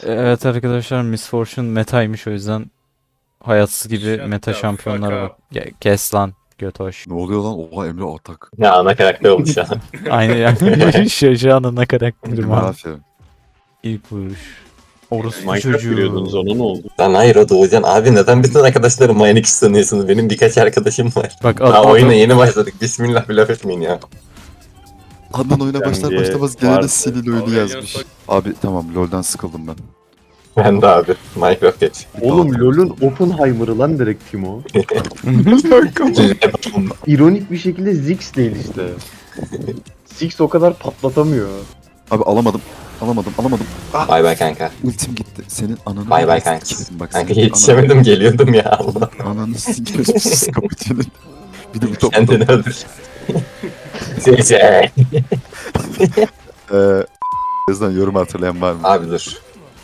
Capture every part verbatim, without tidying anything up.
Evet arkadaşlar, Miss Fortune metaymış, o yüzden hayatsız gibi Shut meta the şampiyonlara fuck bak. Ge- Kes lan götoş. Ne oluyor lan? Oha Emre atak. Ya ana karakter olmuş ya. Aynı yani şaşağın ana karakterim Emre abi. aferin. İlk vuruş. Orospu Minecraft biliyordunuz çocuğu. ona ne oldu? Lan hayır o Doğucan abi neden bütün arkadaşlarım Minecraft sanıyorsunuz? Benim birkaç arkadaşım var. Bak Daha adam, oyuna yeni başladık. Bismillah bir laf etmeyin ya. Adnan oyuna başlar Bence başlamaz gene de vardı. Silil oyunu Abi, yazmış. yasak. Abi tamam LoL'dan sıkıldım ben. Ben de abi. Minecraft geç. Oğlum LoL'ün Oppenheimer'ı lan direkt Timo. Tamam. İronik bir şekilde Ziggs değil işte. Ziggs o kadar patlatamıyor. Abi alamadım. Alamadım alamadım. Bay bay kanka. Ultim gitti. Senin ananı... Bay bay kanka. Sikerim bak Kanka senin yetişemedim geliyordum ya Allah. Ananı, ananı sikerim sus kapıcının. Bir de bu top. Kendini öldür. Sece. Eee... Yazdan yorum hatırlayan var mı? Abi dur.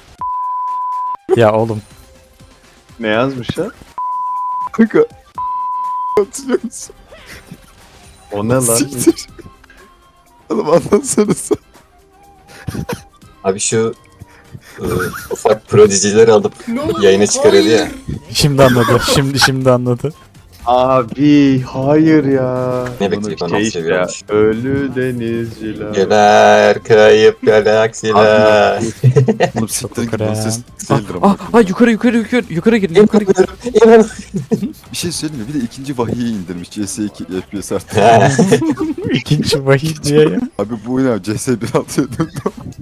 ya oğlum. Ne yazmış ya? Kanka. Hatırlıyor musun? O ne lan? Siktir. Oğlum anlatsanıza. Abi şu ıı, ufak prodicileri alıp yayına çıkarıyordu ya. Şimdi anladı. Şimdi şimdi anladı. Abi hayır ya. Ne bekleyip onu Şey işte ya. seviyormuş. Ölü denizciler. Geber kayıp galaksiler. Oğlum siktirin Krem. gidin ses Ah, değildir ama. ah, ah, yukarı yukarı yukarı yukarı girin yukarı girin. İnanın. Bir şey söyleyeyim mi? Bir de ikinci vahiyi indirmiş. C S iki F P S artık. İkinci vahiy diye ya. Abi bu oyuna C S bir altıya döndü.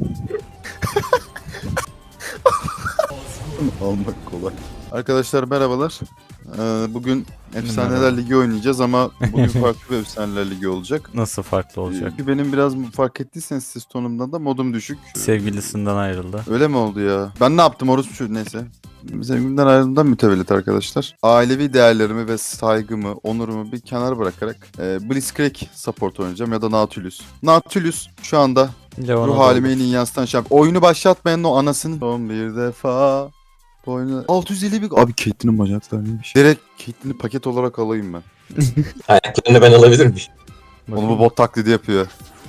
Almak kolay. Arkadaşlar merhabalar. Ee, bugün Efsaneler Merhaba. Ligi oynayacağız ama bugün farklı bir Efsaneler Ligi olacak. Nasıl farklı olacak? Çünkü benim biraz fark ettiyseniz ses tonumdan da modum düşük. Sevgilisinden ayrıldı. Öyle mi oldu ya? Ben ne yaptım orası şu neyse. Sevgimden ayrıldığımdan mütevellit arkadaşlar. Ailevi değerlerimi ve saygımı, onurumu bir kenara bırakarak e, Blitzcrank support oynayacağım ya da Nautilus. Nautilus şu anda Leon'a ruh da halime olur. en iyi yansıtan şampiyon. Oyunu başlatmayan o anasını. Son bir defa. Oyunu... altı yüz elli bir... Abi Caitlyn'in bacakları neymiş? Direkt Caitlyn'i paket olarak alayım ben. Ayaklarını ben alabilir miyim? Onu bu bot taklidi yapıyor.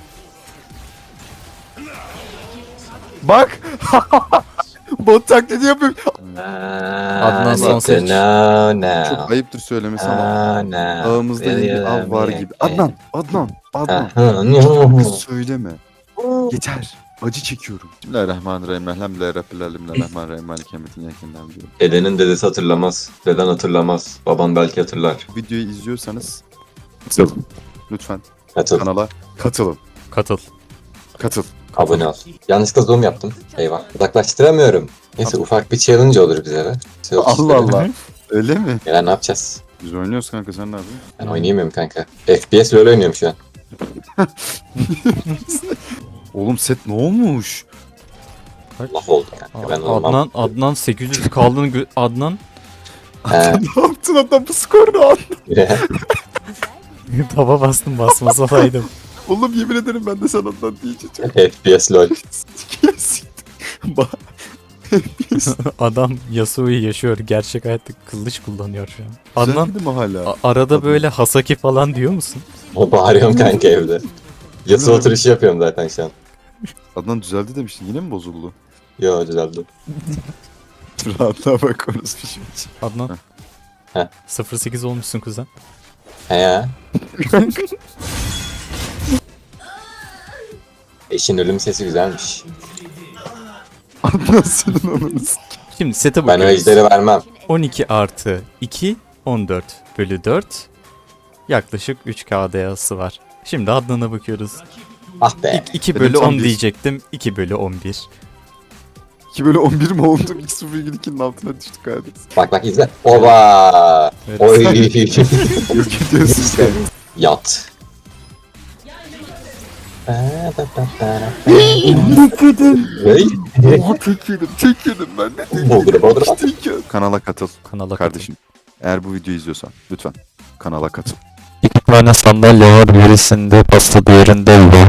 Bak! Bot taklidi yapıyor. Adnan son seç. No, no. Çok ayıptır söylemesi ama. No, no. Ağımızda yeni bir av var gibi. Adnan, Adnan, Adnan. Aha, Kız no. söyleme. Yeter. Acı çekiyorum. Bismillahirrahmanirrahim. Elhamdülillahi Rabbil alemin. Elrahmanirrahim. Malik Emet'in yakından diyorum. Dedenin dedesi hatırlamaz. Deden hatırlamaz. Baban belki hatırlar. Videoyu izliyorsanız katılın. Lütfen Hatır. kanala katılın. Katıl. Katıl. Abone ol. Yanlışlıkla zoom yaptım. Eyvah. Uzaklaştıramıyorum. Neyse ufak bir challenge olur bize be. Şey olsun Allah istedim. Allah. Öyle mi? Ya ne yapacağız? Biz oynuyoruz kanka sen ne yapıyorsun? Ben oynayamıyorum kanka. F P S LoL oynuyorum şu an. Oğlum set ne olmuş? Laf oldu kanka. Ben olmam. Adnan Adnan sekiz yüz kaldığını gö- Adnan He. Ne yaptın adam bu skoru al. taba bastım, basmasaydım. Oğlum yemin ederim ben de sana ondan diyeceğim. F P S LoL. Bak. Adam Yasuo'yu yaşıyor. Gerçek hayatta kılıç kullanıyor şu an. Adnan Düzeldi mi hala? a- arada böyle Hasaki falan diyor musun? O bağırıyorum kanka evde. Yasa oturuşu yapıyorum zaten şu an. Adnan düzeldi demiştin yine mi bozuldu? Yo düzeldi. Rahatlığa bak orası bir şey. Adnan. Heh. sıfır sekiz olmuşsun kuzen. He ya. Eşin ölüm sesi güzelmiş. Adnan senin ananı s- Şimdi sete Ben o bakıyoruz. ejderi vermem. on iki artı iki, on dört bölü dört. Yaklaşık üç K D A'sı var. Şimdi Adnan'a bakıyoruz. Ah be. iki Benim bölü on on bir. diyecektim. iki bölü on bir. iki bölü on bir mi oldum? iki sıfır ikinin altına düştük abi. Bak bak izle. Oba. Evet. Oy. Yok ediyorsun sen. Yat. Hey. Oha tek yedim, tek yedim ben de tek Boldur boldur. tek yedim. Kanala katıl Kanala kardeşim. Eğer bu videoyu izliyorsan lütfen kanala katıl. İki tane sandalye var. Birisinde pasta, diğerinde bu.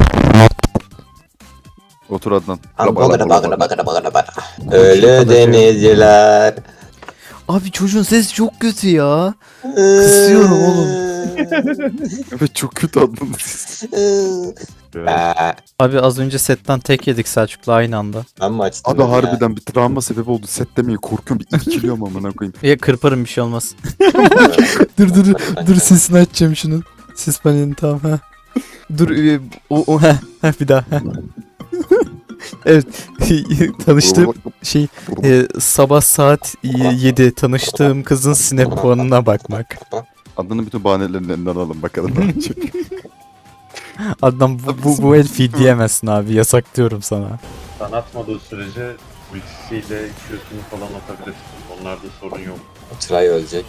Otur Adnan. Bagara bagara bagara bagara bagara. Ölü denizciler. Abi çocuğun sesi çok kötü ya. Kısıyorum oğlum. Evet çok kötü adlandınız. Eee, Abi az önce setten tek yedik Selçuk'la aynı anda. ben mi açtım? Abi onu ya? harbiden bir travma sebebi oldu. Set demeye korkuyorum. Bir irkiliyorum amına koyayım. Ya kırparım bir şey olmaz. dur dur dur sesini açacağım şunun. Ses panelini tamam ha. Dur e, o, o heh, heh, bir daha. Heh. Evet tanıştığım şey e, sabah saat yedi tanıştığım kızın sinep puanına bakmak. Adının bütün bahanelerini elinden alalım bakalım. ne yapacak. Adnan bu, bu, bu el feed diyemezsin abi yasak diyorum sana. Sen atmadığı sürece ultisiyle Q'sunu falan atabilirsin. Onlarda sorun yok. Tray ölecek.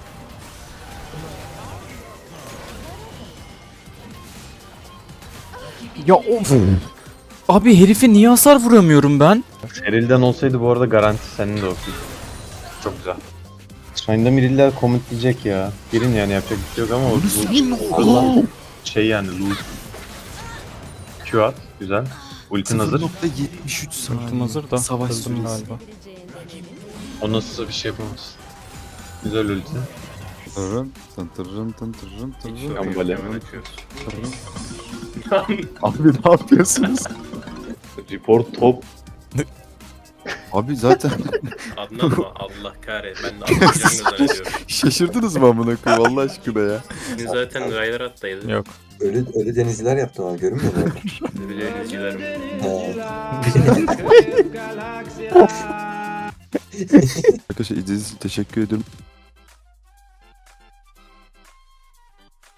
Ya of. Abi herife niye hasar vuramıyorum ben? Seril'den olsaydı bu arada garanti senin de okey. Çok güzel. Sayında Miriller komitleyecek ya. Girin yani yapacak bir şey yok ama o bu Allah. şey yani lose. Q at. Güzel. Ultin hazır. sıfır nokta yetmiş üç saniye. Ultim hazır da Savaş kızdım süresi. galiba. O nasıl bir şey yapamaz. Güzel ulti. Tırın, tın tırın, tın tırın, tırın, Gambale. tırın. Abi ne yapıyorsunuz? Report top. Abi zaten Adnan mı? Allah kahretsin. Ben de atlayacağını zannediyorum. şaşırdınız mı amına koyayım Allah aşkına ya. Şimdi zaten raylar attaydı. Yok. Ölü, ölü denizciler yaptım ama görünmüyor mu? Öyle izcilerim. He. Arkadaşlar izlediğiniz için teşekkür ederim.